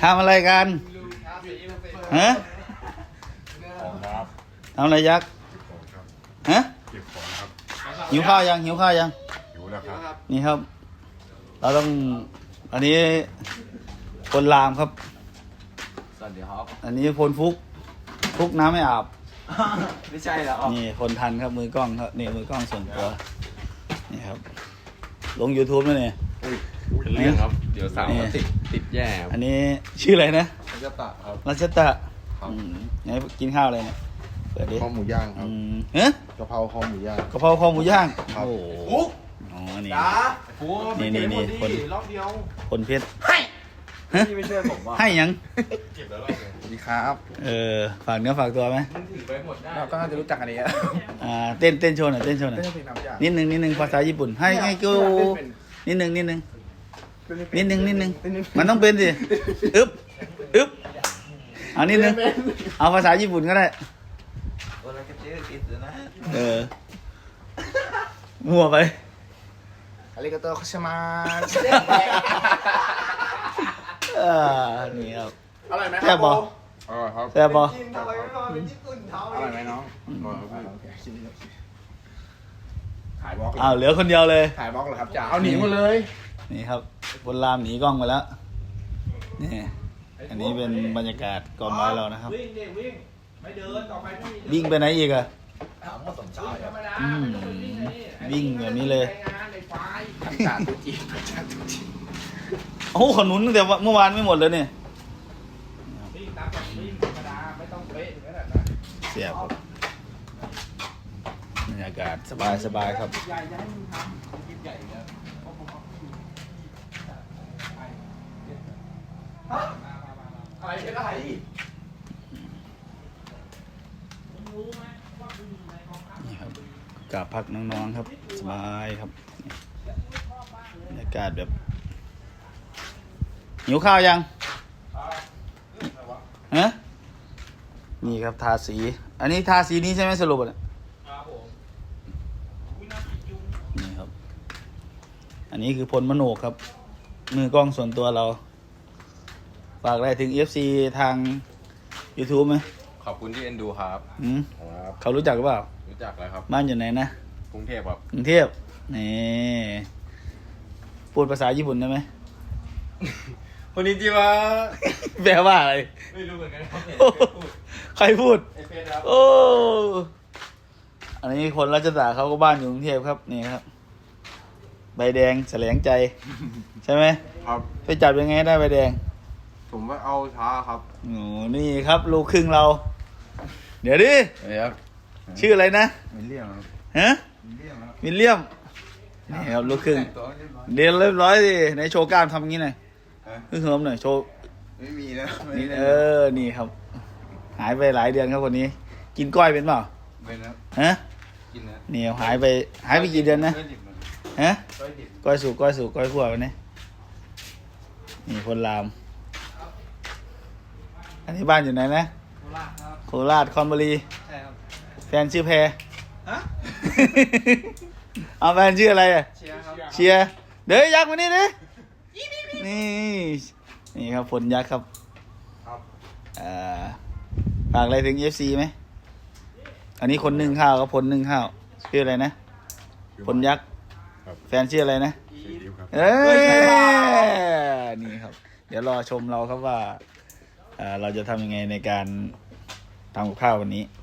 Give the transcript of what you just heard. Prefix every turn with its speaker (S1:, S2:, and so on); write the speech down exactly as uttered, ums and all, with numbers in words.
S1: ทำอะไรกันฮะทำอะไรยักษ์ฮะหิวข้าวยังหิวข้าวยัง
S2: หิวแล้วครับ
S1: นี่ครับเราต้องอันนี้คนลามครับ
S3: สวัสดีครับ
S1: อันนี้พลฟุกฟุกน้ำไม่อาบ
S3: ไม่ใช่แล้ว
S1: นี่คนทันครับมือกล้องครับนี่มือกล้องส่วนตัวนี่ครับลง YouTube แล้วเนี่ย
S2: เรื่องครับเดี๋ยวสาวติดติดแย่
S1: อันนี้ชื่ออะไรนะ
S2: รัชตะครับ
S1: รัชตะไหนกินข้าวอะไรเนี่ยเปิดดิ
S2: ข้าวหมูย่างครับ
S1: เฮ้ย
S2: กะเพราข้าวหมูย่าง
S1: กะเพราข้าวหมูย่างโอ้โหอ๋อนี่นี่นี่นี่คน
S3: รอบเดียว
S1: คนเพชรให้
S3: พี่ไม่ช่วยผมว่า
S1: ให้ยัง
S2: เก็บแล้วรอบเลยสวัสดีครับ
S1: เออฝากเนื้อฝากตัวไหม
S3: เราก็น่าจะรู้จักกันดี
S1: อ่าเต้นเต้นโชว์หน่อยเต้นโชว์หน่อยนิดนึงนิดนึงภาษาญี่ปุ่นให้ให้กูนิดนึงนิดนึงนิดนึงนิดนึงมันต้องเป็นสิอึ๊บอึ๊บเอานิดนึงเอาภาษาญี่ปุ่นก็ได้เออมั่วไป
S3: อาริกาโตคุชิมา
S1: อ่านี่ครับ
S3: อร่อยไหม
S1: แซ่บบ่
S2: อร่อยครับ
S1: แซ่บบ่
S3: อร่อยไหมน้อง
S2: อร่อยครับ
S3: ถ่ายบล็อก
S1: อ้าวเหลือคนเดียวเลย
S3: ถ่ายบล็อกเหรอครับจ๋าเอาหนีหมดเลย
S1: นี่ครับบนรามหนีกล้องไปแล้วนี่อันนี้เป็นบรรยากาศกองไม้เรานะครับ
S3: วิ่งดิวิ่งไม่เดินต่อไปไม่
S1: วิ่งไปไหนอีกอะ
S3: ถามว่าสมชาย
S1: อืมวิ่งแบบนี้เลย
S3: จ่าตุจีจ่าตุจี
S1: โอ้ขนุนตั้งแต่เมื่อวานไม่หมดเลยเนี่ย
S3: วิ่งตามแบบวิ่งธรรมดาไม่ต้องเป๊ะถึงขนาดนั้น
S1: เสียบครับบรรยากาศสบายสบายครับ
S3: ใหญ่จะให้มึงทำกินใหญ่แล้วอะไรเป็นอะไร
S1: นี่ครับกราบพักน้องๆครับสบายครับบรรยากาศแบบหิวข้าวยังฮะนี่ครับทาสีอันนี้ทาสีนี้ใช่ไหมสรุปอ่ะนี่ครับอันนี้คือพลมโนกครับมือกล้องส่วนตัวเราฝากอะไรถึง เอฟ ซี ทาง YouTube ไหม
S2: ขอบคุณที่เอ็นดูครับ
S1: อืมเขารู้จักหรือเปล่า
S2: รู้จักแล้วครับ
S1: บ้านอยู่ไหนนะ
S2: กรุงเทพครับ
S1: กรุงเทพนี่พูดภาษาญี่ปุ่นได้ไหม
S2: คนนี้จีวะ
S1: แปลว่าอะไร
S2: ไม่รู้เหมือนกันครับ
S1: ใครพูด
S2: ไอเฟสครับ
S1: โอ้อันนี้คนรัชดาเขาก็บ้านอยู่กรุงเทพครับนี่ครับใบแดงแสลงใจใช่ไหม
S2: ครับ
S1: ไปจับยังไงได้ใบแดง
S2: ผมว่าเอาช้าครับ
S1: โอ้นี่ครับลูกครึ่งเรา เดี๋ยวดิ
S2: ครับ
S1: ชื่ออะไรนะ
S2: วิลเลียมครับ
S1: ฮะวิลเลียมนี่ครับลูกครึ่งเรียนเรียบร้อยดิในโชว์กล้ามทำงี้หน่อยขึ้นเฮิมหน่อยโชว์
S2: ไม่มีแล้ว
S1: นี่เออนี่ครับหายไปหลายเดือนครับคนนี้กินก้อยเป็นเปล่า
S2: เป็นครับ
S1: ฮะ
S2: กินนะ
S1: นี่หายไปหายไปกี่เดือนนะฮะก้อยสุกก้อยสุกก้อยขั่ววันนี้นี่คนลามอันนี้บ้านอยู่ไหนนะโคราชคอนบุรี
S3: ใช่ครับ
S1: แฟนชื่อแพรฮะเอาแฟนชื่ออะไรอ่ะ
S3: เชียร์ครับ
S1: เชียร์เดี๋ยวยักษ์มานี่ดินี่นี่ครับผลยักษ์ครับอ่าฝากอะไรถึง เอฟ ซี ไหมอันนี้คนนึ่งข้าวกับผลนึ่งข้าวชื่ออะไรนะผลยักษ์แฟนชื่ออะไรนะเอ้ยนี่ครับเดี๋ยวรอชมเราครับว่าเราจะทำยังไงในการทำกับข้าววันนี้